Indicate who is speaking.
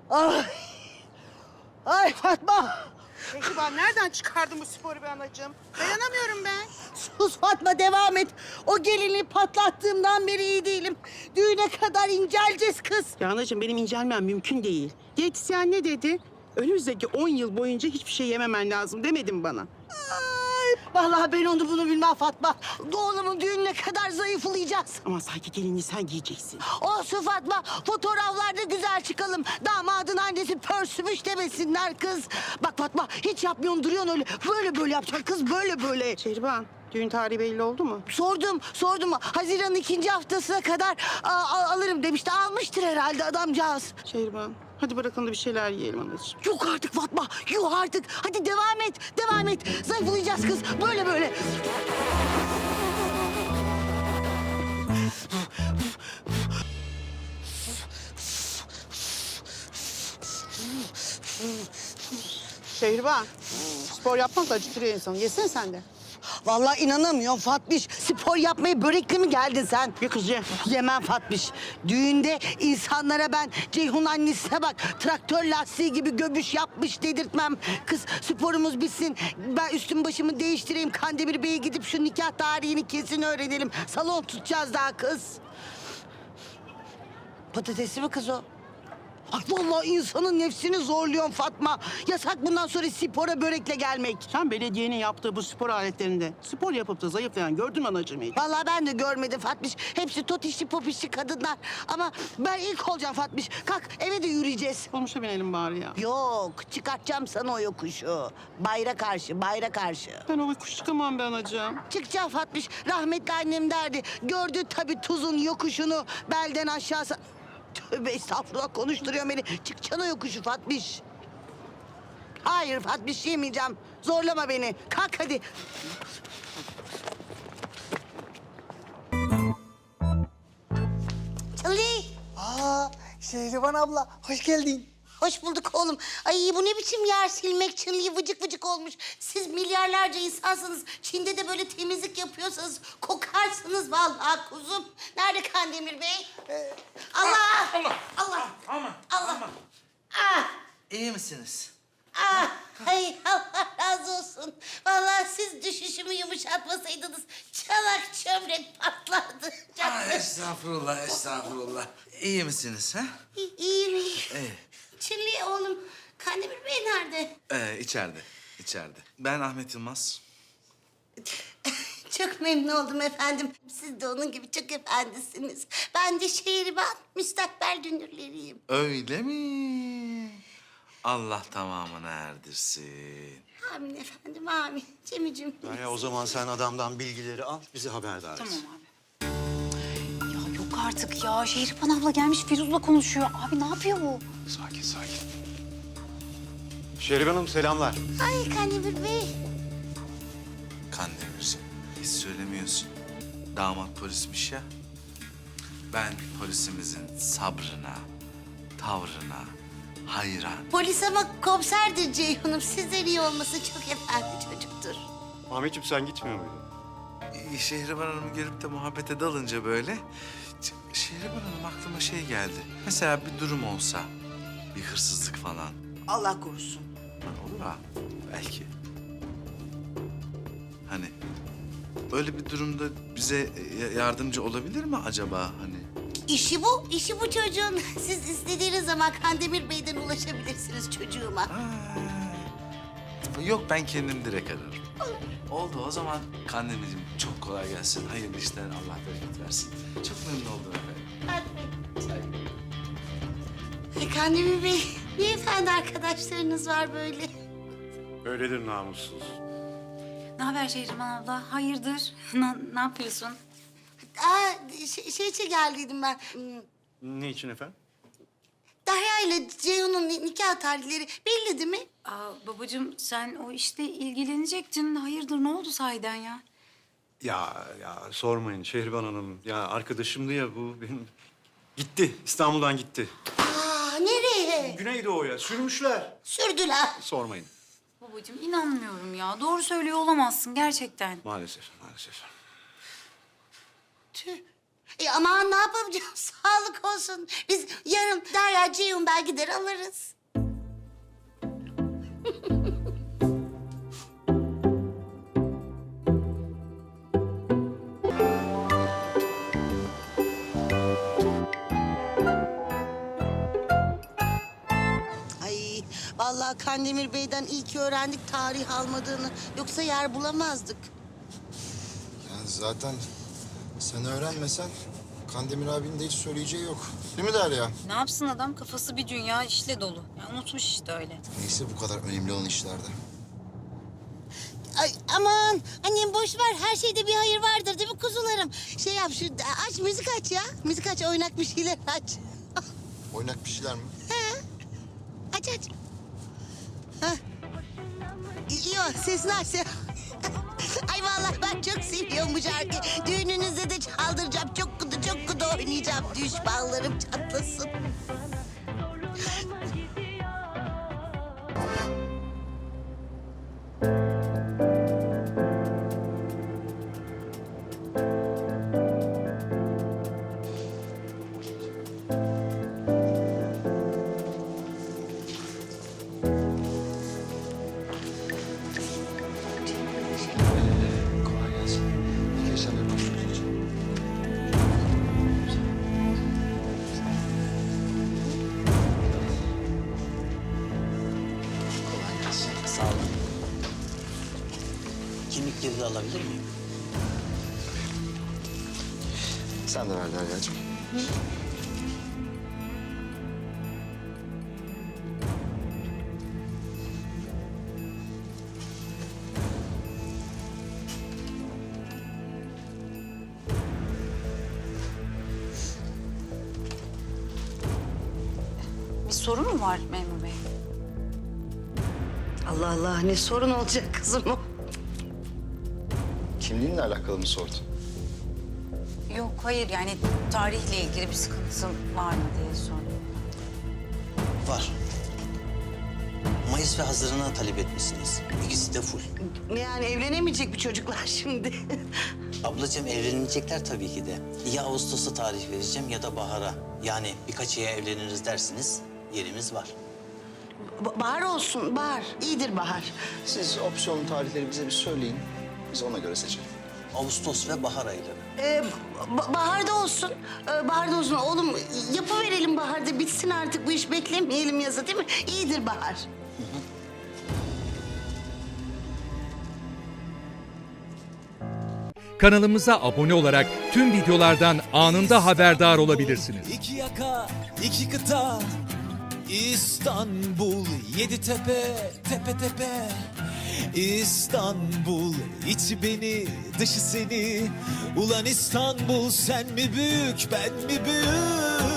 Speaker 1: Ay. Ay Fatma.
Speaker 2: Şehriban nereden çıkardın bu sporu be anacığım? Dayanamıyorum ben.
Speaker 1: Sus Fatma, devam et. O gelini patlattığımdan beri iyi değilim. Düğüne kadar inceleceğiz kız.
Speaker 2: Ya anacığım benim incelmem mümkün değil. Diyetisyen ne dedi? Önümüzdeki 10 yıl boyunca hiçbir şey yememen lazım demedim bana.
Speaker 1: Ay, vallahi ben onu bunu bilmem Fatma. Oğlumun düğününe kadar zayıflayacağız.
Speaker 2: Ama sanki gelinliği sen giyeceksin.
Speaker 1: Olsun Fatma, fotoğraflarda güzel çıkalım. Damadın annesi pörsümüş demesinler kız. Bak Fatma, hiç yapmıyorsun, duruyorsun öyle. Böyle böyle yapacaksın kız, böyle böyle.
Speaker 2: Şehriban, düğün tarihi belli oldu mu?
Speaker 1: Sordum. Haziran'ın 2. haftasına kadar alırım demişti. Almıştır herhalde adamcağız.
Speaker 2: Şehriban, hadi bırakın da bir şeyler yiyelim anacığım.
Speaker 1: Yok artık Fatma, yok artık. Hadi devam et. Zayıflayacağız kız, böyle böyle.
Speaker 2: Şehriban, spor yapmak da acıtırıyor insanı. Yesene sen de.
Speaker 1: Vallahi inanamıyorum Fatmiş. Spor yapmaya börekli mi geldin sen?
Speaker 2: Ye kız ye.
Speaker 1: Yemem Fatmiş. Düğünde insanlara ben Ceyhun annesine bak traktör lastiği gibi göbüş yapmış dedirtmem. Kız sporumuz bitsin. Ben üstüm başımı değiştireyim. Kandemir Bey'e gidip şu nikah tarihini kesin öğrenelim. Salon tutacağız daha kız. Patatesli mi kız o? Ay vallahi insanın nefsini zorluyorsun Fatma. Yasak bundan sonra spora börekle gelmek.
Speaker 2: Sen belediyenin yaptığı bu spor aletlerinde spor yapıp da zayıflayan gördün mü anacığım hiç?
Speaker 1: Vallahi ben de görmedim Fatmiş. Hepsi totişli popişli kadınlar. Ama ben ilk olacağım Fatmiş. Kalk eve de yürüyeceğiz.
Speaker 2: Olmuşa binelim bari ya.
Speaker 1: Yok, çıkartacağım sana o yokuşu. Bayra karşı.
Speaker 2: Ben o kuş çıkamam be anacığım.
Speaker 1: Çıkacağım Fatmiş. Rahmetli annem derdi. Gördü tabii tuzun yokuşunu belden aşağısı. Tövbe estağfurullah, konuşturuyor beni. Çıkacaksın o yokuşu Fatmiş. Hayır Fatmiş, yemeyeceğim. Zorlama beni. Kalk hadi. Ali.
Speaker 3: Şehriban abla, hoş geldin.
Speaker 1: Hoş bulduk oğlum. Ay bu ne biçim yer silmek, çınlıyı vıcık vıcık olmuş. Siz milyarlarca insansınız. Çin'de de böyle temizlik yapıyorsanız kokarsınız vallahi kuzum. Nerede Kandemir Bey? Allah! Allah!
Speaker 4: Aman,
Speaker 1: Allah!
Speaker 4: aman.
Speaker 1: Ah!
Speaker 4: İyi misiniz?
Speaker 1: Ah! Ay Allah razı olsun. Vallahi siz düşüşümü yumuşatmasaydınız çanak çömlek patlardı.
Speaker 4: Estağfurullah, estağfurullah. İyi misiniz ha?
Speaker 1: İyiyim.
Speaker 4: İyi.
Speaker 1: Çinli oğlum. Kandemir Bey nerede?
Speaker 4: İçeride. Ben Ahmet Yılmaz.
Speaker 1: Çok memnun oldum efendim. Siz de onun gibi çok efendisiniz. Ben de Şehriban, müstakbel dünürleriyim.
Speaker 4: Öyle mi? Allah tamamını erdirsin.
Speaker 1: Amin efendim, amin. Cemicim.
Speaker 5: Ya o zaman sen adamdan bilgileri al, bizi haberdar et.
Speaker 6: Tamam abi. Ya yok artık ya. Şehriban abla gelmiş Firuz'la konuşuyor. Abi ne yapıyor bu?
Speaker 5: Sakin. Şehriban Hanım selamlar.
Speaker 1: Ay Kandemir Bey.
Speaker 4: Kandemirciğim, hiç söylemiyorsun. Damat polismiş ya. Ben polisimizin sabrına, tavrına hayran.
Speaker 1: Polis ama komiserdir Ceyhun'um. Sizden iyi olması çok efendi çocuktur.
Speaker 5: Ahmetciğim sen gitmiyor muydun?
Speaker 4: Şehriban Hanım gelip de muhabbete dalınca böyle... Şehriban Hanım aklıma şey geldi. Mesela bir durum olsa, bir hırsızlık falan.
Speaker 1: Allah korusun.
Speaker 4: Olur ha, belki. Hani öyle bir durumda bize yardımcı olabilir mi acaba hani?
Speaker 1: İşi bu çocuğun. Siz istediğiniz zaman Kandemir Bey'den ulaşabilirsiniz çocuğuma.
Speaker 4: Yok ben kendim direkt ararım. Oldu o zaman Kandemirciğim çok kolay gelsin. Hayırlı işler Allah bereket versin. Çok memnun oldum efendim.
Speaker 1: Kandemir Bey, ne efendi arkadaşlarınız var böyle?
Speaker 5: Öyledir namussuz.
Speaker 6: Ne haber Şehriban abla? Hayırdır? Ne yapıyorsun?
Speaker 1: Şey için geldiydim ben.
Speaker 5: Ne için efendim?
Speaker 1: Derya ile Ceyhun'un nikah tarihleri belli değil mi?
Speaker 6: Babacığım sen o işte ilgilenecektin. Hayırdır ne oldu sahiden ya?
Speaker 5: Ya sormayın Şehriban Hanım. Ya arkadaşımdı ya bu benim. Gitti, İstanbul'dan gitti.
Speaker 1: Nereye?
Speaker 5: Güneydoğu'ya sürmüşler.
Speaker 1: Sürdüler.
Speaker 5: Sormayın.
Speaker 6: Babacığım inanmıyorum ya. Doğru söylüyor olamazsın gerçekten.
Speaker 5: Maalesef.
Speaker 1: Tüh.
Speaker 7: Aman ne yapacağım? Sağlık olsun. Biz yarın Derya Ceyhun ben gider alırız.
Speaker 1: Ay vallahi Kandemir Bey'den iyi ki öğrendik tarih almadığını. Yoksa yer bulamazdık.
Speaker 8: Ya zaten sen öğrenmesen Kandemir abinin de hiç söyleyeceği yok. Değil mi Derya?
Speaker 6: Ne yapsın adam? Kafası bir dünya işle dolu. Yani unutmuş işte öyle.
Speaker 8: Neyse bu kadar önemli olan işlerde.
Speaker 7: Ay aman annem boş ver. Her şeyde bir hayır vardır değil mi kuzularım?
Speaker 1: Şey yap şu aç müzik aç ya. Müzik aç oynak bir şeyler aç.
Speaker 8: Oynak bir şeyler mi?
Speaker 1: Aç aç. Hah. İyi o sesini aç. Ay vallahi ben çok seviyorum bu şarkıyı. Düğününüzde de çaldıracağım. Çok kudu oynayacağım. Düşmanlarım çatlasın.
Speaker 8: Kolay gelsin. İyi geceler. Başlıyoruz. Kolay gelsin.
Speaker 9: Sağ olun. Kimlikleri de alabilir miyim?
Speaker 8: Sen de ver Derya'cığım.
Speaker 6: Bir sorun mu var memur bey?
Speaker 1: Allah Allah ne sorun olacak kızım o.
Speaker 8: Kimliğinle alakalı mı sordu?
Speaker 6: Yok hayır yani tarihle ilgili bir sıkıntı var mı diye sordum.
Speaker 9: Var. Mayıs ve Haziran'a talep etmişsiniz. İkisi de full.
Speaker 1: Yani evlenemeyecek bu çocuklar şimdi.
Speaker 9: Ablacığım evlenecekler tabii ki de. Ya Ağustos'a tarih vereceğim ya da bahara. Yani birkaç aya evleniriz dersiniz yerimiz var.
Speaker 1: Bahar olsun bahar. İyidir bahar.
Speaker 8: Siz opsiyon tarihleri bize bir söyleyin. Biz ona göre seçelim.
Speaker 9: Ağustos ve bahar ayları.
Speaker 1: Baharda olsun. Baharda olsun. Oğlum yapıverelim baharda. Bitsin artık bu iş. Beklemeyelim yaza değil mi? İyidir bahar.
Speaker 10: Kanalımıza abone olarak tüm videolardan anında haberdar olabilirsiniz.
Speaker 11: İki yaka, iki kıta, İstanbul, yedi tepe, tepe tepe. İstanbul, içi beni, dışı seni. Ulan İstanbul, sen mi büyük, ben mi büyük?